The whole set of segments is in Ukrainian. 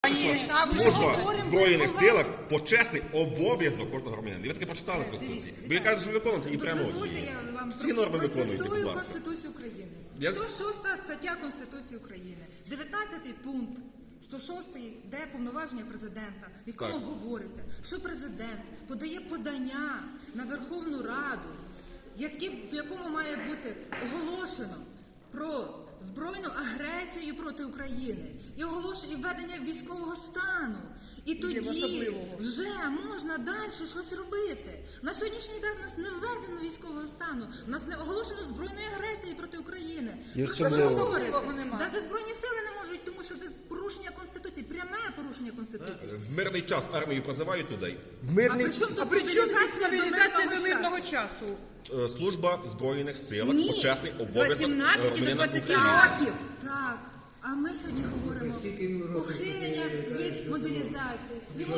Служба в Збройних силах – почесний обов'язок кожного громадянина. Ви таки прочитали Конституцію. Ви кажете, що виконуєте її прямо. Всі норми виконуєте, будь ласка. Конституцію України. 106 стаття Конституції України. 19 пункт 106 де повноваження президента, в якому говориться, що президент подає подання на Верховну Раду, в якому має бути оголошено про збройну агресію проти України і оголошення введення військового стану. І тоді вже можна далі щось робити. На сьогоднішній день в нас не введено військового стану, в нас не оголошено збройної агресії проти України. Про що говорити? Навіть Збройні сили не можуть, тому що це порушення Конституції, пряме порушення Конституції. В мирний час армію призивають туди. А при чому мобілізація до мирного часу? Служба в Збройних силах – почесний З обов'язок 18 до 20 громадянина. років. Так. А ми сьогодні говоримо ухилення від мобілізації. Йому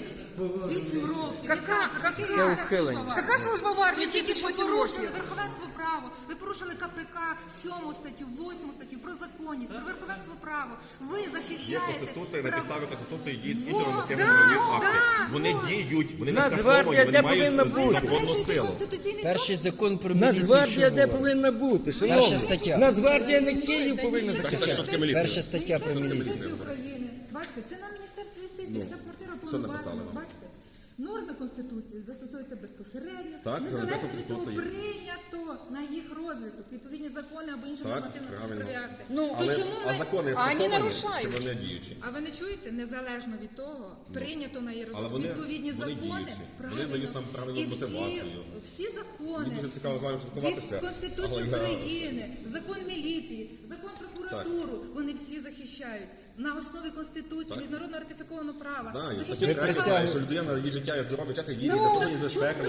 38 років. Яка служба в армії? Ви тільки що порушили верховенство права. Ви порушили КПК, 7 статтю, 8 статтю, про законність, про верховенство права. Ви Є захищаєте Конституція, на підставі Конституції діють інші нормативно-правові акти. Вони діють, вони не скасовані, Нацгвардія вони де мають повинна бути? законну силу. Перший закон про міліцію. Нацгвардія де повинна бути? Перша стаття. Нацгвардія не Київ повинна бути. Перша стаття про міліцію. України. Бачите, це на Міністерстві юстиції, штаб-квартира повноважена. Бачите, норми Конституції застосовуються безпосередньо, незалежно від того, прийнято на їх розвиток, відповідні закони або інші нормативно-правові акти. А закони скасовані, чи вони діючі? А ви не чуєте? Незалежно від того, прийнято на її розвиток, відповідні закони, правильно, і всі закони Мені дуже цікаво з вами від спілкуватися. Конституції України, закон міліції, закон прокуратуру, вони всі захищають. На основі Конституції, міжнародно ратифікованого права. Знаю, що людина, її життя і здоров'я, час, її для того, її безпека.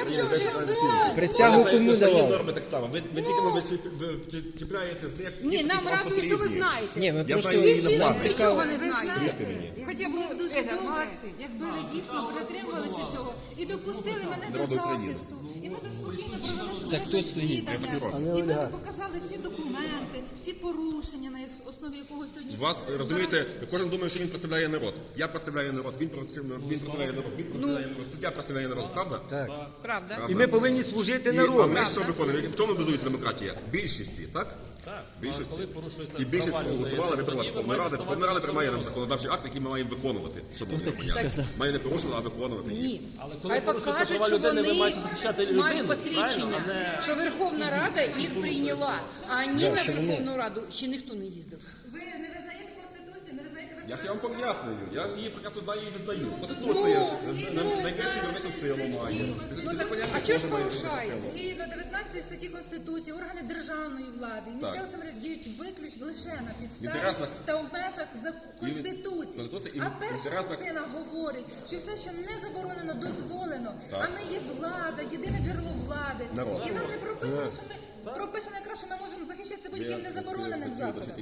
Присягу кому давали? Норми так само. Ви тільки чіпляєте з них. Ні, нам радує, що ви знаєте. Ні, ми Я просто знаю її на нам плані. цікаво. Нічого не Ви знаєте. знаєте, Хоча б було б дуже добре, молодці. якби ви дійсно притримувалися цього і допустили мене до Народу України. захисту. І ми б спокійно провели Це своє хто стоїть? засідання. І ми б показали всі документи, всі порушення, на основі якого сьогодні... Вас, розумієте, кожен думає, що він представляє народ. Я представляю народ, він представляє народ, він представляє народ, суддя представляє народ, правда? Так. Правда. І ми повинні служити А народу. ми що виконуємо? В чому базується демократія? Більшості, так? Більшості. І більшість проголосувала, вибрала Верховна Рада. Верховна Рада приймає нам законодавчий акт, який ми маємо виконувати. Щоб було понятно. Має не порушила, а виконувати. Ні. Хай покажуть, що вони мають посвідчення, що Верховна Рада їх прийняла. А ні, на Верховну Раду ще ніхто не їздив. Ви не визнаєте Конституцію, не визнаєте Я ж вам пояснюю. Я її прекрасно знаю і визнаю. Конституція найкращу юридичну силу має. А чого ж порушається? Згідно 19 статті Конституції, органи державної влади і місцевого самоврядування діють виключно лише на підставі та в межах Конституції. А перша частина говорить, що все, що не заборонено, дозволено. А ми є влада, єдине джерело влади. І нам не прописано, що ми прописано якраз, що ми можемо захищатися будь-яким незабороненим заходом.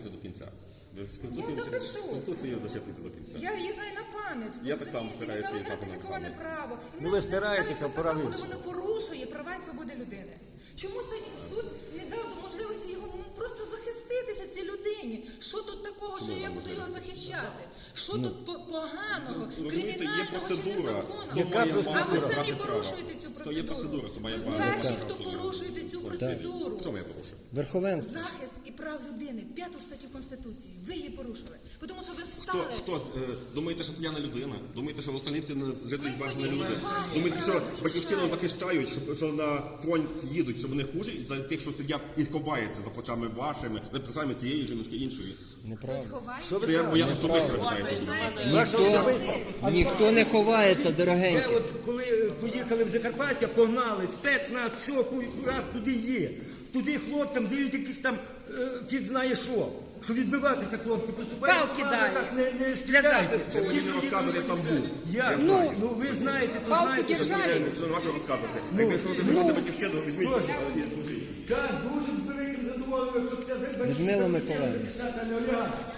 Я допишу. Конституцію дочитайте до кінця. Я її знаю на пам'ять. Я так само стараюся її Міжнародно знати на ратифіковане пам'ять. право. І Ну, ви мене стараєтеся, цікавить, пора коли вивчити. воно порушує права і свободи людини. Чому сьогодні суд не дав можливості його просто захиститися цій людині? Що тут такого, що я буду його захищати? Що тут поганого, кримінального чи незаконного? Яка А ви процедура? самі порушуєте цю То є процедура, процедуру. то має Ви право. перші, хто порушуєте цю процедуру. Що я порушив? Верховенство. Захист і прав людини, 5 статтю Конституції. Ви її порушили. Тому що ви стали... Хто думаєте, що я не людина? Думаєте, що остальні всі жителі зважені сьогодні люди? ваші Думаєте, що права батьківщину захищають, що на фронт їдуть, що вони хужі за тих, що сидять і ховаються за плечами вашими, за плечами тієї жіночки іншої? Сховаєте? Це моя особиста вибачається. Ніхто не ховається, Це дорогенький. от коли поїхали в Закарпаття, погнали, спецназ, все, раз туди є. Туди хлопцям дають якісь там, фіг знає що. Що відбиватися, хлопці, поступають. Палки дали так, не для стріляйте. захисту. Мені не розказують, як там був. Я знаю. Ну ви знаєте, то Палку знаєте. держали. Що не можу розказувати. Якщо ви займете батьківщину, візьміть. Так, дуже з великим задоволенням, щоб ця Людмила Миколаївна. захищати, а не олігархи.